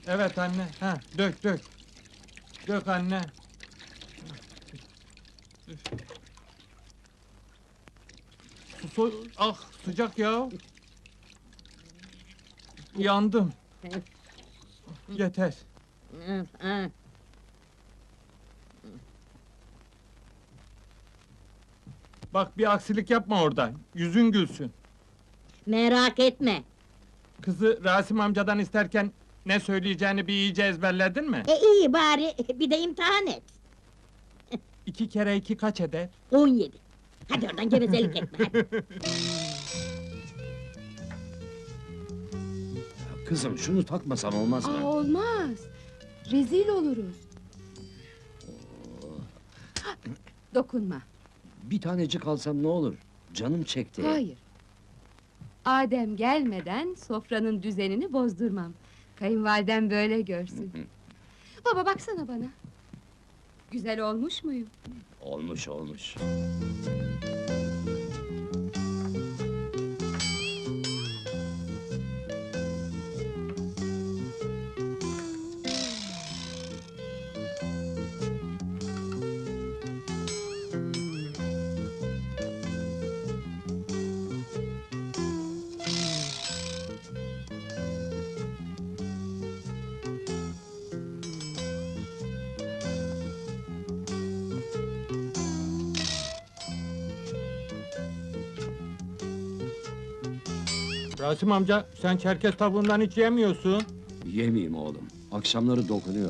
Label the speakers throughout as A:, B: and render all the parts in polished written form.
A: Evet anne, ha, dök dök. Dök anne. Ah, sıcak ya. Yandım. Yeter. Bak bir aksilik yapma orada. Yüzün gülsün.
B: Merak etme.
A: Kızı Rasim amcadan isterken ne söyleyeceğini bir iyice ezberledin mi?
B: İyi bari, bir de imtihan et.
A: 2 kere 2 kaç eder?
B: 17. Hadi oradan gevezelik etme, hadi.
C: Kızım şunu takmasan olmaz mı?
D: Olmaz. Rezil oluruz. Dokunma.
C: Bir tanecik alsam ne olur? Canım çekti.
D: Hayır. Adem gelmeden sofranın düzenini bozdurmam. Kayınvalidem böyle görsün. Baba baksana bana. Güzel olmuş muyum?
C: Olmuş olmuş.
A: Rasim amca, sen Çerkez tavuğundan hiç yemiyorsun.
C: Yemeyeyim oğlum. Akşamları dokunuyor.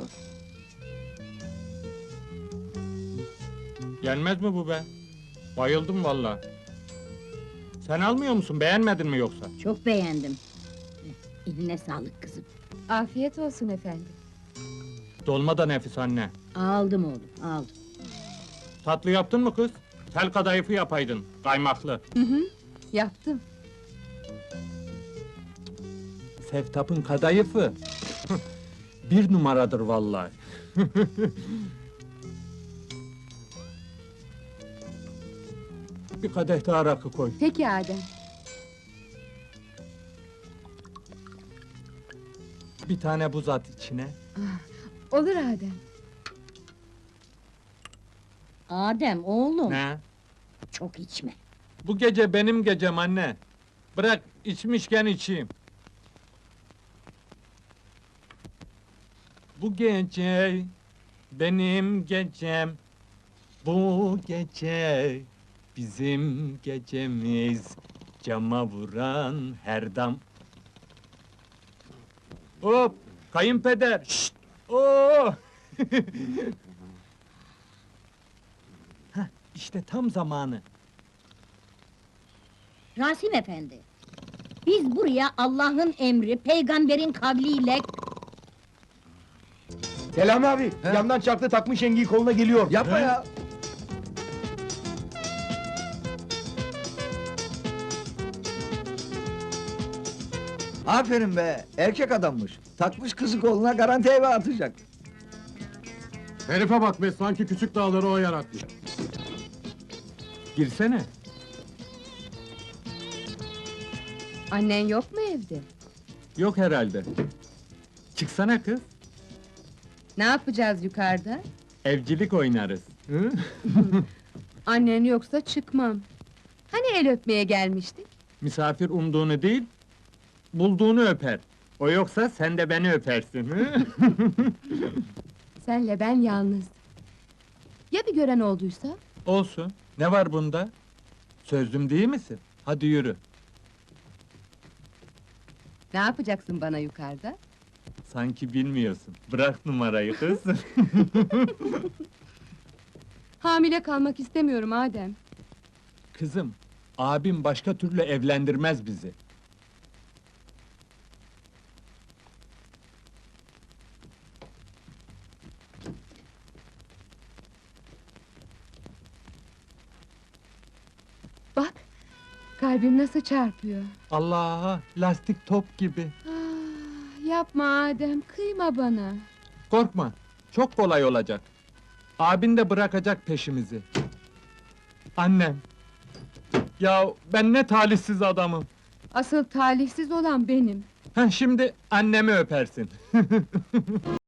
A: Yenmez mi bu be? Bayıldım vallahi. Sen almıyor musun, beğenmedin mi yoksa?
B: Çok beğendim. Eline sağlık kızım.
D: Afiyet olsun efendim.
A: Dolma da nefis anne.
B: Aldım oğlum, aldım.
A: Tatlı yaptın mı kız? Tel kadayıfı yapaydın, kaymaklı.
D: Yaptım.
A: Seftap'ın kadayıfı. Bir numaradır vallahi. Bir kadeh daha rakı koy.
D: Peki Adem.
A: Bir tane buz at içine.
D: Olur Adem.
B: Adem oğlum,
A: Ne?
B: çok içme.
A: Bu gece benim gecem anne. Bırak içmişken içeyim. Bu gece benim gecem. Bu gece bizim gecemiz. Cama vuran her dam. Hop! Kayınpeder! Şşt! Oo! Hah, işte tam zamanı.
B: Rasim efendi, biz buraya Allah'ın emri, peygamberin kavliyle...
E: Selami abi, yandan çarklı takmış yengeyi koluna geliyor.
C: Yapma ya!
F: Aferin be, erkek adammış. Takmış kızı koluna, garanti eve atacak.
E: Herife bak be, sanki küçük dağları o yaratmış.
A: Girsene.
D: Annen yok mu evde?
A: Yok herhalde. Çıksana kız.
D: Ne yapacağız yukarıda?
A: Evcilik oynarız. Hı?
D: Annen yoksa çıkmam. Hani el öpmeye gelmiştik?
A: Misafir umduğunu değil, bulduğunu öper. O yoksa sen de beni öpersin. Hı?
D: Senle ben yalnız. Ya bir gören olduysa?
A: Olsun. Ne var bunda? Sözlüm değil misin? Hadi yürü.
D: Ne yapacaksın bana yukarıda?
A: Sanki bilmiyorsun. Bırak numarayı kız.
D: Hamile kalmak istemiyorum Adem.
A: Kızım, abim başka türlü evlendirmez bizi.
D: Bak, kalbim nasıl çarpıyor.
A: Allah'a, lastik top gibi.
D: Ah, yapma Adem, kıyma bana.
A: Korkma, çok kolay olacak. Abin de bırakacak peşimizi. Annem! Ya ben ne talihsiz adamım!
D: Asıl talihsiz olan benim.
A: Heh, şimdi annemi öpersin.